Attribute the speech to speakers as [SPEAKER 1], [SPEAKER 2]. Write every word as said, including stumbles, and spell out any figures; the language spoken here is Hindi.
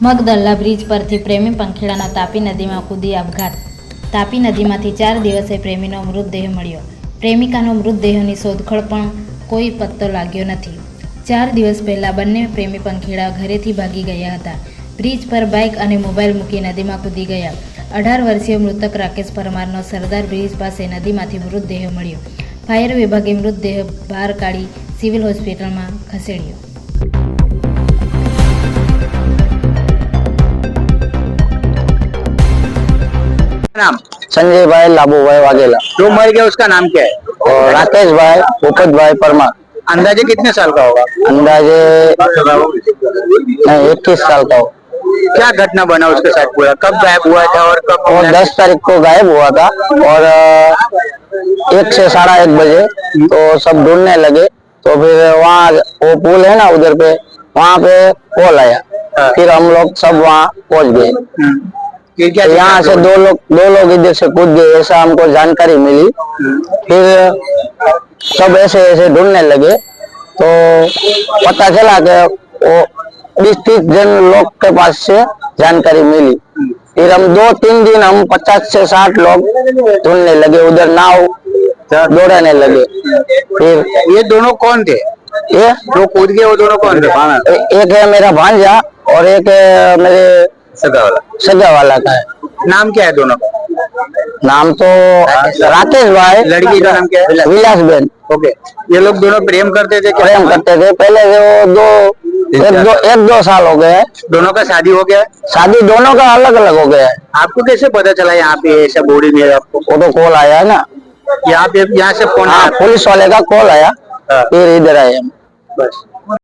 [SPEAKER 1] મગદલ્લા બ્રિજ પરથી પ્રેમી પંખીડાનો તાપી નદીમાં કૂદી આપઘાત। તાપી નદીમાંથી ચાર દિવસે પ્રેમીનો મૃતદેહ મળ્યો। પ્રેમિકાનો મૃતદેહની શોધખોળ પણ કોઈ પત્તો લાગ્યો નથી। ચાર દિવસ પહેલા બંને પ્રેમી પંખીડા ઘરેથી ભાગી ગયા હતા। બ્રિજ પર બાઇક અને મોબાઈલ મૂકી નદીમાં કૂદી ગયા। અઢાર વર્ષીય મૃતક રાકેશ પરમારનો સરદાર બ્રિજ પાસે નદીમાંથી મૃતદેહ મળ્યો। ફાયર વિભાગે મૃતદેહ બહાર કાઢી સિવિલ હોસ્પિટલમાં ખસેડ્યો।
[SPEAKER 2] नाम
[SPEAKER 3] संजय भाई लाबू भाई वाघेला।
[SPEAKER 2] जो मर गया उसका नाम क्या है?
[SPEAKER 3] और राकेश भाई भूपत भाई परमार।
[SPEAKER 2] अंदाजे कितने साल का होगा?
[SPEAKER 3] अंदाजे नहीं इक्कीस साल का हो।
[SPEAKER 2] क्या घटना बना उसके साथ पूरा? कब गायब हुआ था और कब?
[SPEAKER 3] और दस तारीख को गायब हुआ था और एक से साढ़ा एक बजे तो सब ढूंढने लगे। तो फिर वहाँ वो पुल है ना उधर पे, वहाँ पे कॉल आया। फिर हम लोग सब वहाँ पहुँच गए।
[SPEAKER 2] फिर क्या?
[SPEAKER 3] तो यहाँ से दो लोग दो लोग इधर से कूद गए ऐसा हमको जानकारी मिली। फिर सब ऐसे ऐसे ढूंढने लगे तो पता चला कि वो बीस तीस जन लोग के पास से जानकारी मिली। फिर हम दो तीन दिन हम पचास से साठ लोग ढूंढने लगे, उधर नाव दौड़ाने लगे। फिर
[SPEAKER 2] ये दोनों कौन थे?
[SPEAKER 3] ये
[SPEAKER 2] जो कूद गए वो दोनों कौन थे?
[SPEAKER 3] ए, एक है मेरा भांजा और एक है मेरे
[SPEAKER 2] सगा वाला।
[SPEAKER 3] सगा वाला का है।
[SPEAKER 2] नाम क्या है दोनों का?
[SPEAKER 3] नाम तो राकेश भाई,
[SPEAKER 2] लड़की का नाम क्या है?
[SPEAKER 3] विलास बेन।
[SPEAKER 2] ओके। ये लोग दोनों प्रेम करते थे क्या?
[SPEAKER 3] प्रेम करते थे पहले से। वो दो एक दो एक दो साल हो गए हैं।
[SPEAKER 2] दोनों का शादी हो गया है?
[SPEAKER 3] शादी दोनों का अलग अलग हो गया है।
[SPEAKER 2] आपको कैसे पता चला यहाँ पे ऐसा बॉडी मिला आपको?
[SPEAKER 3] वो तो कॉल आया है ना,
[SPEAKER 2] यहाँ पे यहाँ से फोन
[SPEAKER 3] हाँ
[SPEAKER 2] आया?
[SPEAKER 3] पुलिस वाले का कॉल आया।
[SPEAKER 2] हाँ।
[SPEAKER 3] फिर इधर आए हम।
[SPEAKER 2] बस।